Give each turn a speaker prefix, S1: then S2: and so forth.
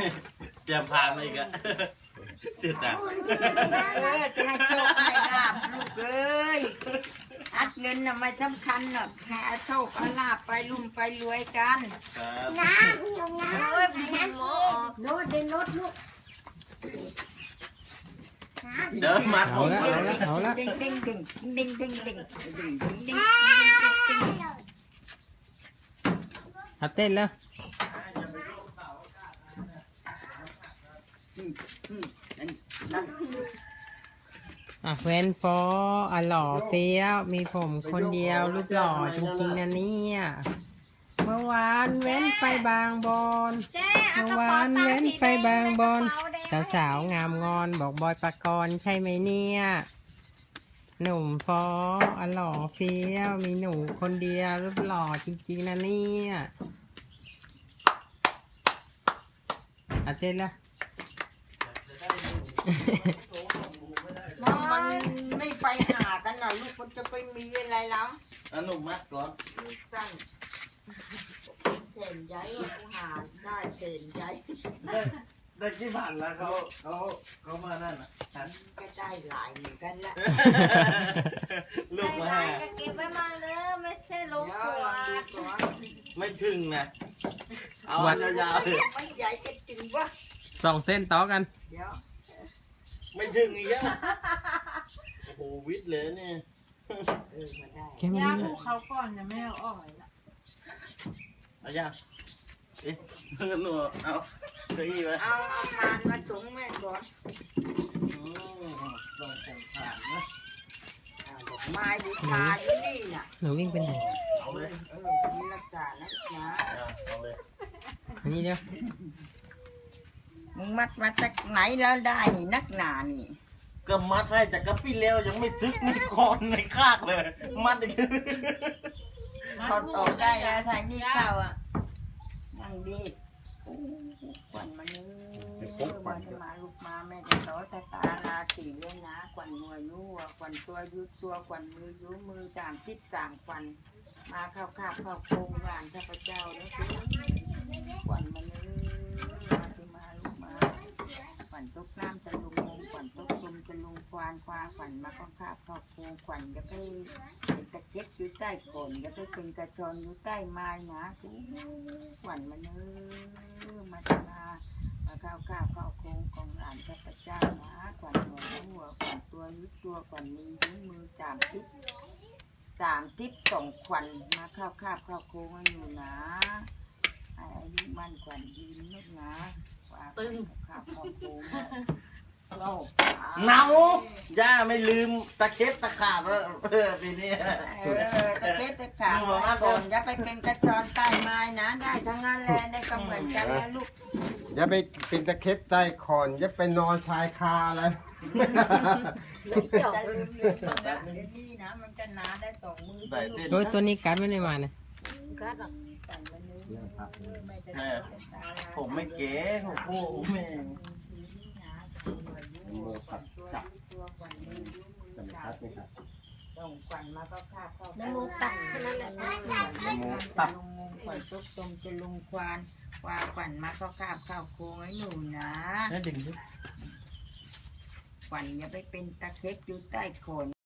S1: เตรียมพานมาอีกอะเสียดาย
S2: จะให้โชคให้ลาบลูกเอ้ยอัดเงินน่ะไม่สำคัญหรอกแค่โชคเอาลาบไปลุ่มไปรวยกัน
S1: ครับ
S2: เอ้ยพี่น้ำโมโน้ตเดินรถลูก
S1: เดี๋ยวมัดผม
S3: เอาละ
S2: ดึงดึงดึงดึงดึงดึงดึงดึงดึง
S3: เอาเต้นแล้วเว้นฟอหล่อเฟี้ยวมีผมคนเดียวรูปหล่อจริงๆนะเนี่ยเมื่อวานเว้นไปบางบอนเมื่อวานเว้นไปบางบอนสาวๆงามงอนบอกบอยปกรณ์ใช่ไหมเนี่ยหนุ่มฟอหล่อเฟี้ยวมีหนูคนเดียวรูปหล่อจริงๆนะเนี่ยเต้นแล้ว
S2: มันไม่ไปหากันนะลูกมันจะไปมีอะไรแล้ว
S1: หนุ่มมัดก่อน
S2: สั้นเส้นใหญ่กูหาได้เส้นใหญ่
S1: ได้กี่ผ่านแล้วเขามานั่นอ่ะ
S2: ก็ได้หลายเหมือนกันละ
S1: ลูกมา
S4: ก็เก็บไว้มาเลยไม่ใช่ลง
S2: เดี๋ยว
S4: ตัว
S2: ลองดูก่อน
S1: ไม่ถึงนะเอายาวๆเลย
S2: ไม่ใหญ่จะจริงวะ
S3: 2 เส้นต่อกัน
S2: เดี๋ยว
S1: ไม่ถึงอีกอ่ะโอ้โหวิทย์เลยเนี่ย
S2: มาได้
S3: แค่นี้
S4: ย่าผูกเขาก่อนนะแม่เอาออกเลยนะ
S1: เอายาเอ๊ะหนูเอาเก้าอี้ไว้
S2: เอาทานมาถุงแม่ก่อน
S1: ลองส่งผ่านนะ
S2: ดอกไม้บูชาอยู่นี่น่ะ
S3: หนูวิ่งไปไหน
S1: เอาเลย
S2: นี่รักษานะนะ
S1: เอาเลย
S3: อันนี้เดี๋ยว
S2: มึงมัดมาจากไหนแล้วได้นี่นักหนานี่
S1: ก็มัดให้จากกระปี้เลี้ยวยังไม่ซึกไม่คอนไม่คากเลย มัดอีก
S2: ถอดออกได้แล้วทางนี้เข้าอ่ะนั่งดีขวัญมานื้วันมาลูกมาแม่จะต่อตาราสีเลยนะขวัญหัวยูขวัญตัวยุดตัวขวัญมือยูมือจามทิศจามขวัญมาเข้าคาบเข้าโคงหวานข้าพเจ้าแล้วสิขวัญมานื้มาที่มาลูกมาขวัญตกน้ำจะลุงงงขวัญตกลมจะลุงควานควาขวัญมาเข้าคาบเข้าโคงขวัญจะไปเป็นตะเก็บอยู่ใต้โคนจะไปเป็นกระชอนอยู่ใต้ไม้นะขวัญมานื้มาที่มาเข้าคาบเข้าโคงของหลานข้าพเจ้านะขวัญหัวขวัญตัวยุดตัวขวัญมือยุ้มือจามทิศส่งขวัญมาเข้าคาบเข้าโคงอยู่นะให้อายุมั่นขวัญยืนนึกนะตึงคาบเข้าโคงเรา
S1: เนาย่าไม่ลืมตะเข็บตะขาบแล้วปีนี้
S2: ตะเก็บตะขาบไว้ก่อนอย่าไปเป็นกระชอนใต้ไม้นะได้ทั้งนั้นแหละได้ก็เหมือนกันแล้วลูก
S5: อย่าไปเป็นตะเข็บใต้คอนอย่าไปนอนชายคาอะไร
S2: จะลืมเลยแบบนี้นะมันจะหนาได้สองมือ
S1: ได้เส้น
S3: โดยตัวนี้กัดไม่ได้มานะ
S1: แม่ผมไม่เก๋โอ้โหแม่
S5: จะไม่คัดไหมครับ
S2: ส่งขวัญมาก็คาบเข้า
S4: น้ำมูกตัดแค่นั้นแหละ
S2: ตัดลงขวัญตุกตมจะลุงควานขวัญมาก็คาบเข้าโค้งให้หนูนะ
S3: แล้วดึง
S2: ขวัญอย่าไปเป็นตะเข็บอยู่ใต้โคน